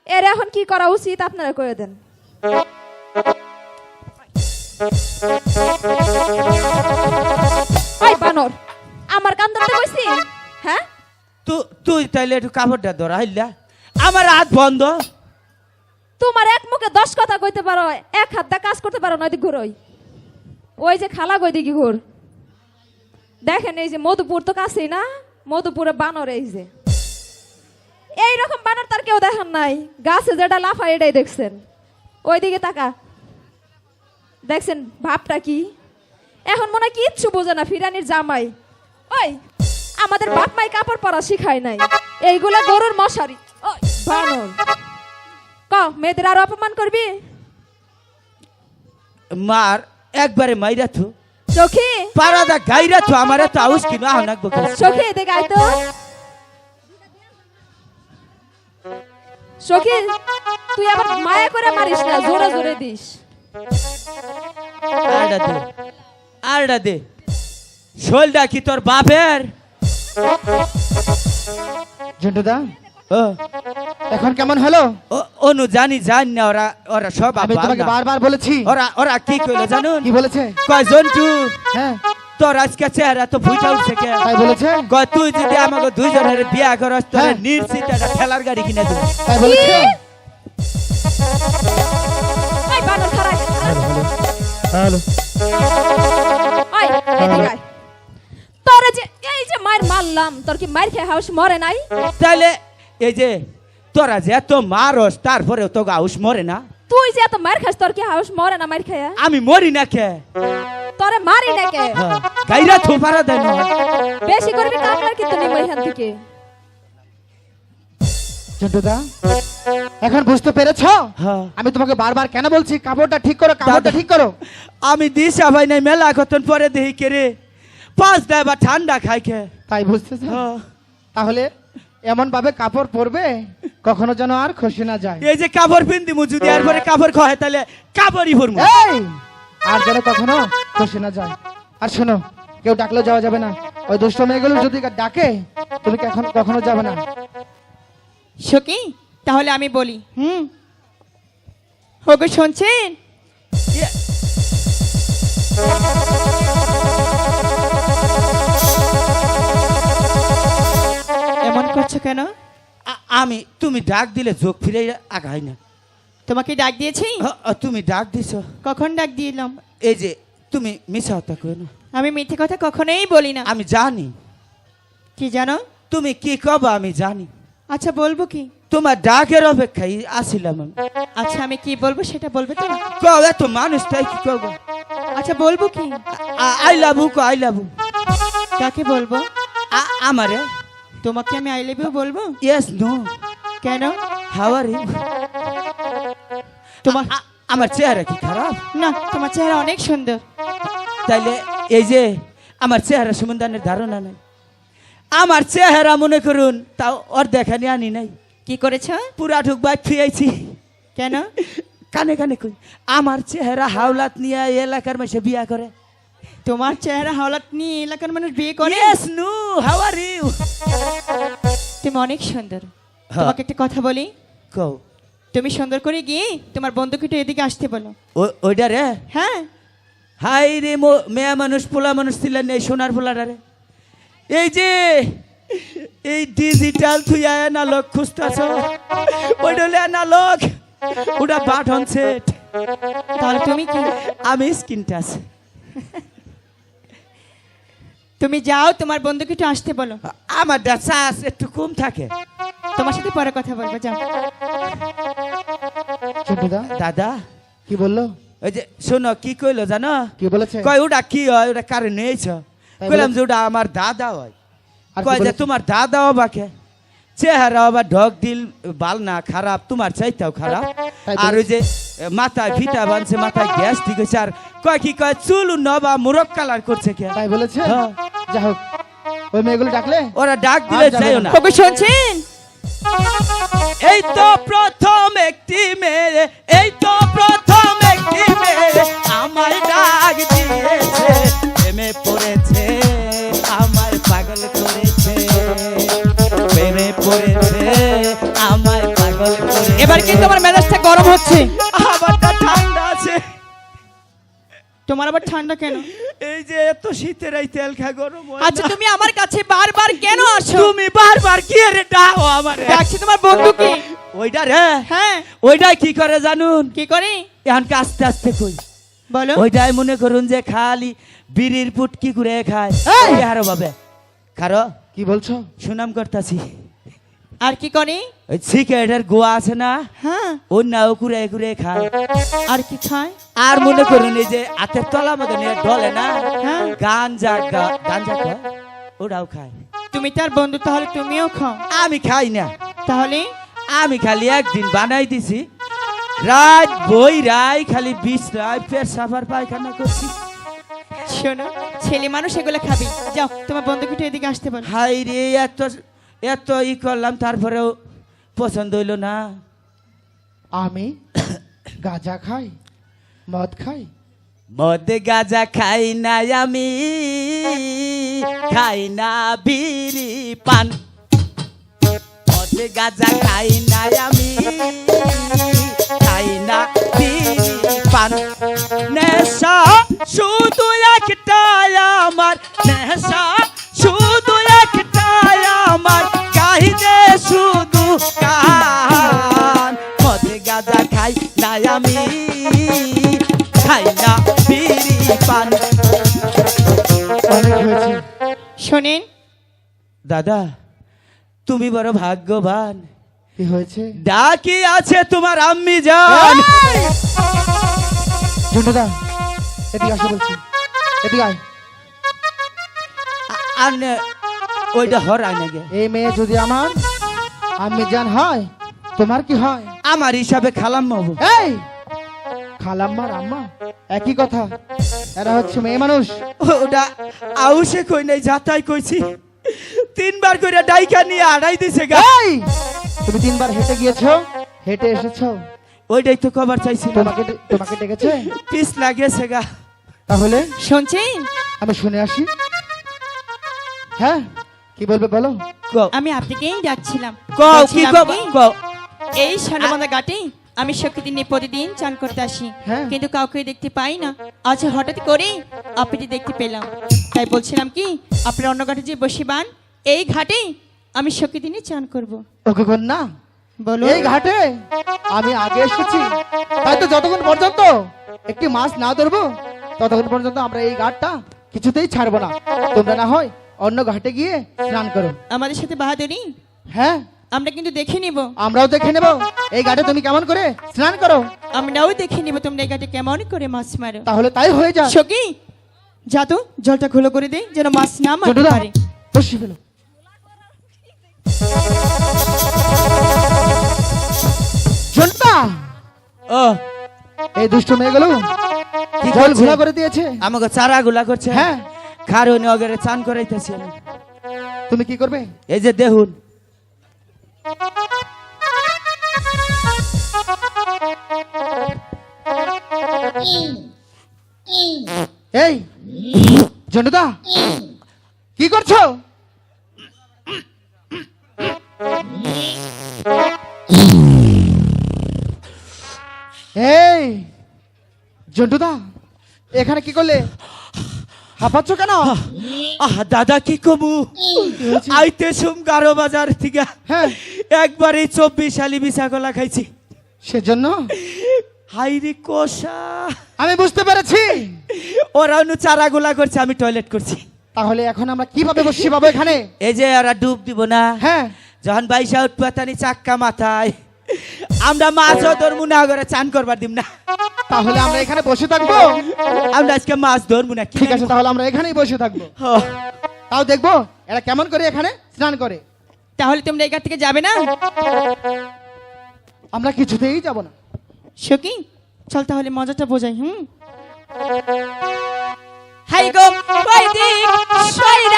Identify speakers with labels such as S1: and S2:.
S1: এর এখন কি করা উচিত আপনারা করে দেন। ওই বানর আমার কান ধরতে কইছি? হ্যাঁ
S2: তুই তাইলে একটু কাপড়টা ধরা হইলা, আমার হাত বন্ধ।
S1: তোমার এক মুখে 10 কথা কইতে পারো, এক হাত দা কাজ করতে পারো না। ওইদিকে ঘুরোই, ওই যে খালা গই দিকে ঘুর। দেখেন এই যে মধুপুর তো কাছেই না, মধুপুরে বানর এই যে এইরকম বানর তার কেউ দেখেন নাই। গাছে যেটা লাফায় এটাই দেখছেন। ওইদিকে তাকা, দেখছেন ভাবটা কি? এখন মনে হয় কিচ্ছু বোঝে না ফিরানির জামাই। ওই আমাদের বাপ মাই কাপড় পরা শিখায় নাই, এইগুলা গরুর মশারি। ওই বানর ক মেয়েদের আরো অপমান করবি?
S2: মার একবারে মাইরা থু,
S1: সখী
S2: পারাদা গাইরা থু, আমার এত আউস কিনা আনাক বকে।
S1: সখী এদিকে আয় তো। সখী তুই আবার মায়া করে মারিস না, জোরে জোরে দিস।
S2: আরডা দে, আরডা দে। শোলটা কি তোর বাপের?
S3: ঝন্টুদা
S2: ও
S3: এখন কেমন হলো?
S2: অনু জানি জানি না, ওরা ওরা সব
S3: আমি তোমাকে বারবার বলেছি।
S2: ওরা ওরা কি কইলো জানুন?
S3: কি বলেছে?
S2: কয় জন্টু
S3: হ্যাঁ
S2: তোর আজকে চেহারা তো ফুইটা উঠছে কে?
S3: তাই বলেছে?
S2: কয় তুই যদি আমাকে দুইজনের বিয়া করস তোর
S3: হ্যাঁ।
S2: নিশ্চিত একটা ঠেলার গাড়ি কিনে দেব।
S3: তাই বলেছে?
S1: ওই বানর খারাই,
S3: হ্যালো
S1: ওই এদিকে আয়। তোর যে এই যে মার মারলাম, তোর কি মার খেয়ে হাউস মরে নাই?
S2: তাইলে এই যে তোরা যে এত মারস তারপরেও তো গাউস মরে না?
S1: তুই যে এত মার খাস, তোর কি হাউস মরে না মার খেয়ে?
S2: আমি মরি না কে?
S1: তোরে মারি না কে?
S2: গাইরা থু পারা দেন।
S1: বেশি করবি কামলার কিন্তু নিব এখান থেকে।
S3: ঝন্টুদা এখন বুঝতে পেরেছো
S2: হ্যাঁ।
S3: আমি তোমাকে বারবার কেন বলছি কাপড়টা ঠিক করো, কাপড়টা ঠিক করো?
S2: আমি দিশা ভাই নাই মেলা কতন পরে দেখি কে রে 5 দেয় বা ঠান্ডা খাই খে।
S3: তাই বুঝতেছো? তাহলে এমন ভাবে কাপড় পরবে কখনো যেন আর খসে না যায়।
S2: এই যে কাপড় পিন্দি মু যদি আর পরে কাপড় খয় তাহলে কাপড়ই পরমু।
S3: এই আর যেন কখনো খসে না যায়। আর শোনো কেউ ডাকলেও যাওয়া যাবে না। ওই দুষ্ট মেয়েগুলো যদি ডাকে তুমি এখন কখনো যাবে না।
S4: সখী তাহলে আমি বলি। ওগো শুনছেন? এমন করছো কেন?
S2: আমি তুমি ডাক দিলে চোখ ফিরে আগাই না।
S4: তোমাকে ডাক দিয়েছি?
S2: তুমি ডাক দিছো?
S4: কখন ডাক দিলাম?
S2: এই যে তুমি মিছা কথা কই না।
S4: আমি মিথ্যে কথা কখনোই বলি না।
S2: আমি জানি
S4: কি জানো?
S2: তুমি কি কবা আমি জানি।
S4: আচ্ছা বলবো কি?
S2: তোমার ডাকের অপেক্ষায় আসিলাম আমি।
S4: আচ্ছা আমি কি বলবো সেটা বলবে তো?
S2: কও এত মানুষ তাই কি কবা?
S4: আচ্ছা বলবো কি?
S2: I love you, I love you.
S4: কাকে বলবো?
S2: আমারে।
S4: তোমাকে আমি আই লাভ ইউ বলবো?
S2: Yes no.
S4: কেন?
S2: How are you?
S4: তোমার
S2: আমার চেহারা কি খারাপ?
S4: না, তোমার চেহারা অনেক সুন্দর।
S2: তাইলে এই যে আমার চেহারা সম্বন্ধে ধারণা নাই। আমার চেহারা মনে করুন তাও ওর দেখানি আনি নাই।
S4: কি করেছ?
S2: পুরা ঢুক বাইক ফিয়াইছি।
S4: কেন?
S2: কানে কানে কই আমার চেহারা হাওলাত নিয়ে এলাকার মাসে বিয়া করে।
S4: তোমার চেহারা হাওলাত নিয়ে এলাকার মানুষ বিয়ে করে?
S2: Yes no. How are you?
S4: তুমি অনেক সুন্দর। তোমাকে একটা কথা বলি।
S2: কও।
S4: তুমি সুন্দর করে গিয়ে তোমার বন্ধুকে একটু এদিকে আসতে বলো।
S2: ওইটা রে?
S4: হ্যাঁ।
S2: হাই রে মেয়া মানুষ পোলা মানুষ ছিলেন এই সোনার পোলাটা রে। এই যে এই ডিজিটাল তুই অ্যানালগ খুঁজতেছ, ওইটা হলো অ্যানালগ, ওটা বাটন সেট।
S4: তাহলে তুমি কি?
S2: আমি স্ক্রিন টাচ।
S4: তুমি যাও তোমার বন্ধুকে একটু আসতে বলো।
S2: আমার চার্জ একটু কম থাকে।
S4: তোমার সাথে পরে কথা বলবো, যাও।
S3: ঝন্টুদা
S2: দাদা
S3: কি বললো?
S2: ওই যে শোনো কি কইলো জানো?
S3: কি বলেছে?
S2: কয় ওটা কি হয়, ওটা কারে নিয়েছ? কইলাম যে ওটা আমার দাদা হয়।
S3: আর কি
S2: কয় যে
S3: বলেছে?
S2: তোমার দাদা বাকে চেহারা আবার ঢক দিল বাল না খারাপ, তোমার চাইতেও খারাপ।
S3: তাই
S2: আর ওই যে মাথায় ফিটা বানছে, মাথায় গ্যাস ঠিক হয়েছে। আর কয় কি কয় চুল নবা মুরক কালার করছে কে?
S3: তাই বলেছে?
S2: হ্যাঁ।
S3: যা হোক ওই মেয়েগুলো ডাকলে
S2: ওরা ডাক দিলে
S3: আর যাবে
S2: যাইও না।
S4: ওগো শুনছেন?
S2: এই তো প্রথম একটি মেয়ে, এই তো প্রথম একটি মেয়ে আমায় ডাক দিয়েছে, প্রেমে পড়েছে আমায় পাগল করেছে, প্রেমে পড়েছে আমায় পাগল করে।
S4: এবার কিন্তু আমার মেজাজটা গরম হচ্ছে।
S2: আমারটা ঠান্ডা আছে।
S4: তোমার আবার ঠান্ডা কেন?
S2: এই যে এত শীতের এই তেল খা গরম হয়
S4: আচ্ছা
S2: না।
S4: তুমি আমার কাছে বারবার কেন আসো?
S2: তুমি বারবার কি রে ডাও আমারে?
S4: ডাকছি তোমার বন্ধুকে।
S2: ওইটা রে,
S4: হ্যাঁ,
S2: ওইটা কি করে জানুন?
S4: কি করে
S2: এখন আস্তে আস্তে কই।
S4: বলো।
S2: ওইটাই মনে করুন যে খালি বিড়ির পুটকি করে খায়।
S3: এই!
S2: হারো বাবে খারো
S3: কি বলছো?
S2: সুনাম করতাছি।
S4: আর কি করে?
S2: ওই সিগারেটের গোয়া আছে না,
S4: হ্যাঁ,
S2: ওই নাও কুড়ে কুড়ে খায়।
S4: আর কি খায়?
S2: আর মনে করুন এই যে হাতের তলা মতো নিয়ে ঢলে না,
S4: হ্যাঁ।
S2: গাঞ্জা গাঞ্জা খায়, ওটাও খায়।
S4: তুমি তার বন্ধু, তাহলে তুমিও খাও।
S2: আমি খাই না,
S4: তাহলে
S2: আমি খালি একদিন বানাই দিছি, রাত বই রাই খালি 20 রাত পেট সাফার পায়খানা করছি।
S4: শোনো, ছেলে মানুষ এগুলো খাবি। যাও তোমার বন্ধুকে একটু এদিকে আসতে বলো।
S2: হাই রে, এত এত ই করলাম তারপরেও পছন্দ হইলো না।
S3: আমি গাঁজা খাই, মদ খাই।
S2: মদ গাঁজা খাই না আমি, খাই না বিড়ি পান। মদ গাঁজা খাই না আমি, খাই না বিড়ি পান। নেশা শুধু একটাই আমার, নেশা শুধু একটাই আমার, কাহিদে শুধু কান। মদ গাঁজা খাই না আমি, খাই না বিড়ি পান।
S3: অনেক হয়েছে।
S4: শোনেন,
S2: দাদা তুমি বড় ভাগ্যবান,
S3: কি হয়েছে?
S2: ডাকি আছে তোমার আম্মি জান।
S3: ঝন্টুদা, এদিকে আসো বলছি, এদিকে আয়।
S2: আর ওইটা হরাই না গে।
S3: এই মেয়ে যদি আমার আম্মি জান হয়, তোমার কি হয়?
S2: আমার হিসাবে খালাম হবো।
S3: এই খালাম্মার আম্মা একই কথা। এরা হচ্ছে মেয়ে মানুষ।
S2: ওটা আউসে কই নাই, যাতাই কইছি। 3 বার করে ডাইকা নিয়ে আড়াই দিছে গা।
S3: এই তুমি 3 বার হেঁটে গিয়েছো, হেঁটে এসেছো,
S2: ওইটাই তো কভার চাইছিলাম,
S3: তোমাকে ডেকেছে।
S2: পিস লাগেছে গা।
S3: তাহলে
S4: শুনছেন?
S3: আমি শুনে আসি। হ্যাঁ, কি বলবে বলো।
S2: কও
S4: আমি আপনাকেই ডাকছিলাম।
S2: কও কি
S4: বলছিলাম
S2: কও
S4: কি,
S2: কও।
S4: এই সান্ডাবান্ধা ঘাটে আমি শক্তি নিয়ে প্রতিদিন চান করতে আসি,
S3: হ্যাঁ।
S4: কিন্তু কাউকে দেখতে পাই না। আজ হঠাৎ করে আপনাকে দেখতে পেলাম, তাই বলছিলাম কি আপনার অন্য ঘাটে যে বসিবান, এই ঘাটে আমি শক্তি নিয়ে চান করব।
S3: ওকে কন্যা,
S4: বলো।
S3: এই ঘাটে আমি আগে এসেছি, তাই তো যতক্ষণ পর্যন্ত একটি মাছ না ধরবো ততক্ষণ পর্যন্ত আমরা এই ঘাটটা কিছুতেই ছাড়বো না। তোমরা না হয় অন্য ঘাটে গিয়ে স্নান করো।
S4: আমাদের সাথে বাহাদুরি
S3: হ্যাঁ,
S4: আমরা কিন্তু দেখে নিব।
S3: আমরাও দেখে নেব এই ঘাটে তুমি কেমন করে স্নান করো।
S4: আমরাও দেখে নিব তোমরা এই ঘাটে কেমন করে মাছ মারো।
S3: তাহলে তাই হয়ে যায়।
S4: সখী, যা তো জলটা খোলো করে দে, যেন মাছ না মারতে
S3: ছোটদা,
S4: পারে।
S3: বসি ফেলো। ছোটদা,
S2: ও
S3: এই দুষ্ট মেয়েগুলো
S2: কি
S3: জল
S2: করছে?
S3: ঘোলা করে দিয়েছে।
S2: আমাকে চারা গুলা করছে।
S3: হ্যাঁ,
S2: কারণ অগরে চান করাইতেছি আমি।
S3: তুমি কি করবে?
S2: এই যে দেখুন,
S3: এই ঝন্টুদা, কি করছো? এই ঝন্টুদা, এখানে কি করলে? হাঁপাচ্ছ কেন?
S2: দাদা কি কমু, আইতে সুম 11 বাজার থেকে
S3: হ্যাঁ,
S2: একবারে 24 শালি বিছা কলা খাইছি।
S3: সেজন্য
S2: হাইরে কষা,
S3: আমি বুঝতে পেরেছি।
S2: ওরা অন্য চারা গুলা করছে, আমি টয়লেট করছি।
S3: তাহলে এখন আমরা কিভাবে বসছি বাবু এখানে?
S2: এই যে ওরা ডুব দিব না,
S3: হ্যাঁ,
S2: যখন বাইশা উৎপাতানি চাক্কা মাথায়, আমরা মাছও ধরবো না, করে চান করবার দিব না।
S3: তাহলে আমরা এখানে বসে থাকবো।
S2: আমরা আজকে মাছ ধরবো না।
S3: ঠিক আছে, তাহলে আমরা এখানেই বসে থাকবো। তাও দেখবো এরা কেমন করে এখানে স্নান করে।
S4: তাহলে তোমরা এই ঘাট থেকে যাবে না?
S3: আমরা কিছুতেই যাব না।
S4: সখী, চল তাহলে মজাটা বোঝাই। হাই গো, কই দিক, সইরা